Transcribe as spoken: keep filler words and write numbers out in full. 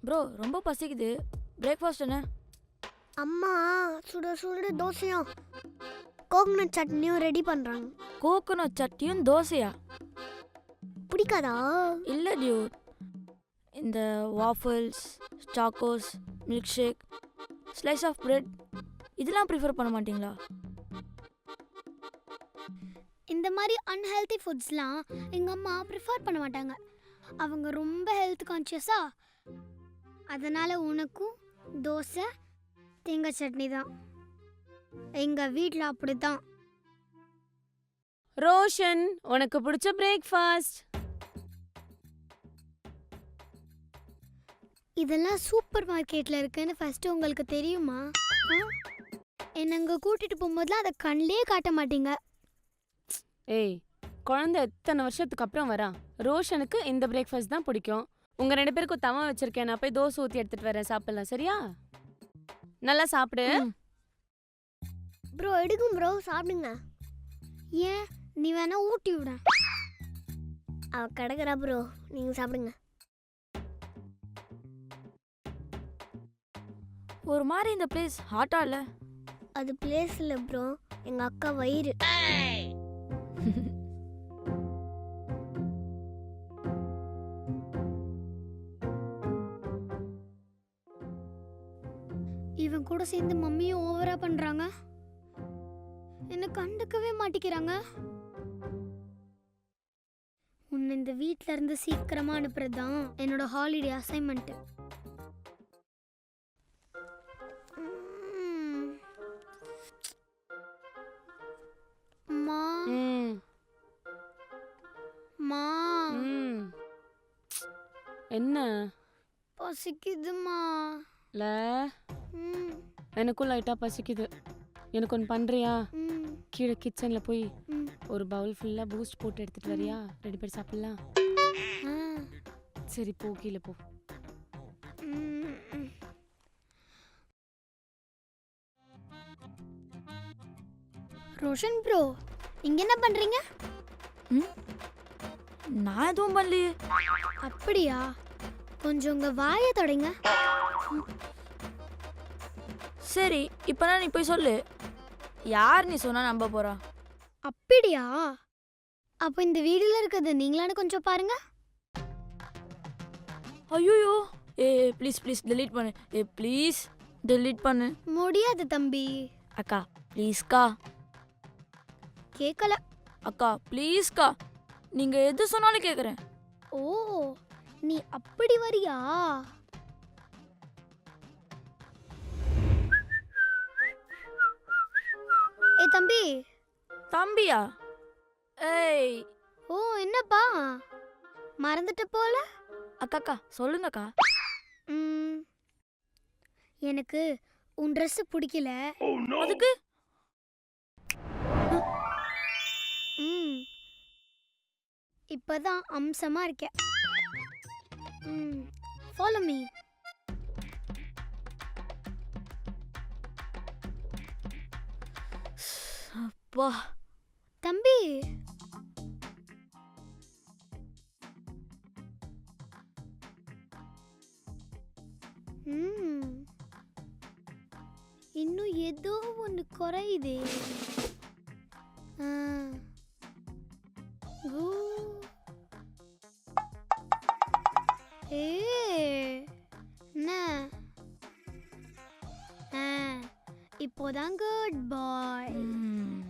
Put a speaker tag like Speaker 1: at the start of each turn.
Speaker 1: Bro ரொம்ப பசிக்குது. Breakfast என்ன?
Speaker 2: அம்மா சுட சுட தோசையும் கோகனட் சட்னியும் ரெடி பண்ணுறாங்க.
Speaker 1: கோகோனட் சட்னியும் தோசையா?
Speaker 2: பிடிக்காதா?
Speaker 1: இல்லை டியூட், இந்த waffles, Chocos, milk shake, slice of bread இதெல்லாம் ப்ரிஃபர் பண்ண மாட்டிங்களா?
Speaker 2: இந்த மாதிரி அன்ஹெல்தி ஃபுட்ஸ்லாம் எங்கள் அம்மா ப்ரிஃபர் பண்ண மாட்டாங்க. அவங்க ரொம்ப ஹெல்த் கான்ஷியஸா. அதனால் உனக்கும் தோசை தேங்காய் சட்னி தான். எங்கள் வீட்டில் அப்படி தான்.
Speaker 3: ரோஷன், உனக்கு பிடிச்ச பிரேக்ஃபாஸ்ட்.
Speaker 2: இதெல்லாம் சூப்பர் மார்க்கெட்டில் இருக்குன்னு ஃபஸ்ட்டு உங்களுக்கு தெரியுமா? என்னை அங்கே கூட்டிகிட்டு போகும்போதுலாம் அதை கண்ணிலே காட்ட மாட்டீங்க.
Speaker 3: ஏய், குழந்தை எத்தனை வருஷத்துக்கு அப்புறம் வரான். ரோஷனுக்கு இந்த பிரேக்ஃபாஸ்ட் தான் பிடிக்கும். உங்க ரெண்டு பேருக்கும் தவா வச்சிருக்கேன், நான் போய் தோசை ஊற்றி எடுத்துட்டு வரேன், சாப்பிடலாம். சரியா? நல்லா சாப்பிடு.
Speaker 2: ப்ரோ எடுக்கும் ப்ரோ, சாப்பிடுங்க. ஏன் நீ வேணா ஊட்டி விட. அவ கிடக்குறா ப்ரோ, நீங்கள் சாப்பிடுங்க.
Speaker 1: ஒரு மாதிரி இந்த பிளேஸ் ஹாட்டா இல்லை?
Speaker 2: அது பிளேஸ் இல்லை ப்ரோ, எங்கள் அக்கா வயிறு. இவன் கூட சேர்ந்து மம்மியும் ஓவரா பண்றாங்க. என்ன கண்டுக்கவே மாட்டிக்கிறாங்க. உன்னை இந்த வீட்ல இருந்து சீக்கிரமா அனுப்புறதுதான் என்னோட ஹாலிடே அசைன்மெண்ட். மா மா
Speaker 3: என்ன
Speaker 2: பசிக்குதுமா?
Speaker 3: இல்ல, எனக்கும் லைட்டா பசிக்குது. எனக்கு ஒன்று பண்றியா? கீழே கிச்சன்ல போய் ஒரு பவுல் ஃபுல்லா பூஸ்ட் போட்டு எடுத்துட்டு வரியா? ரெண்டு பேர் சாப்பிடலாம். சரி போ, கீழே போ.
Speaker 2: ரோஷன் ப்ரோ, இங்க என்ன பண்றீங்க?
Speaker 1: நான் எதுவும் பண்ணலையே.
Speaker 2: அப்படியா? கொஞ்சம் உங்க வாயை தொடங்க.
Speaker 1: சரி, இப்போ நீ போய் சொல்லு. யார் நீ சொன்னா நம்ப போறா?
Speaker 2: அப்படியா? அப்போ இந்த வீடியோல இருக்கிறது நீங்களானு கொஞ்சம் பாருங்க.
Speaker 1: ஐயோ, ஏ ப்ளீஸ் ப்ளீஸ் டெலீட் பண்ணு. ஏ ப்ளீஸ் டெலீட் பண்ணு.
Speaker 2: முடியாது தம்பி.
Speaker 1: அக்கா ப்ளீஸ்க்கா.
Speaker 2: கேட்கல.
Speaker 1: அக்கா ப்ளீஸ்க்கா, நீங்க எது சொன்னாலும் கேட்குறேன்.
Speaker 2: ஓ, நீ அப்படி வரியா? ஏ தம்பி.
Speaker 1: தம்பியா? ஏய்.
Speaker 2: ஓ என்னப்பா மறந்துட்ட போல.
Speaker 1: அக்காக்கா சொல்லுங்கக்கா.
Speaker 2: ம், எனக்கு உன் ட்ரெஸ் பிடிக்கல.
Speaker 1: அதுக்கு
Speaker 2: ம் இப்பதான் அம்சமா இருக்க. ம் ஃபாலோ மீ.
Speaker 1: வா
Speaker 2: தம்பி. ம் இன்னும் ஏதோ ஒன்று குறையுதே. ஆ கூ ஏ என்ன? ஆ இப்போதான் குட் பாய்.
Speaker 1: ம்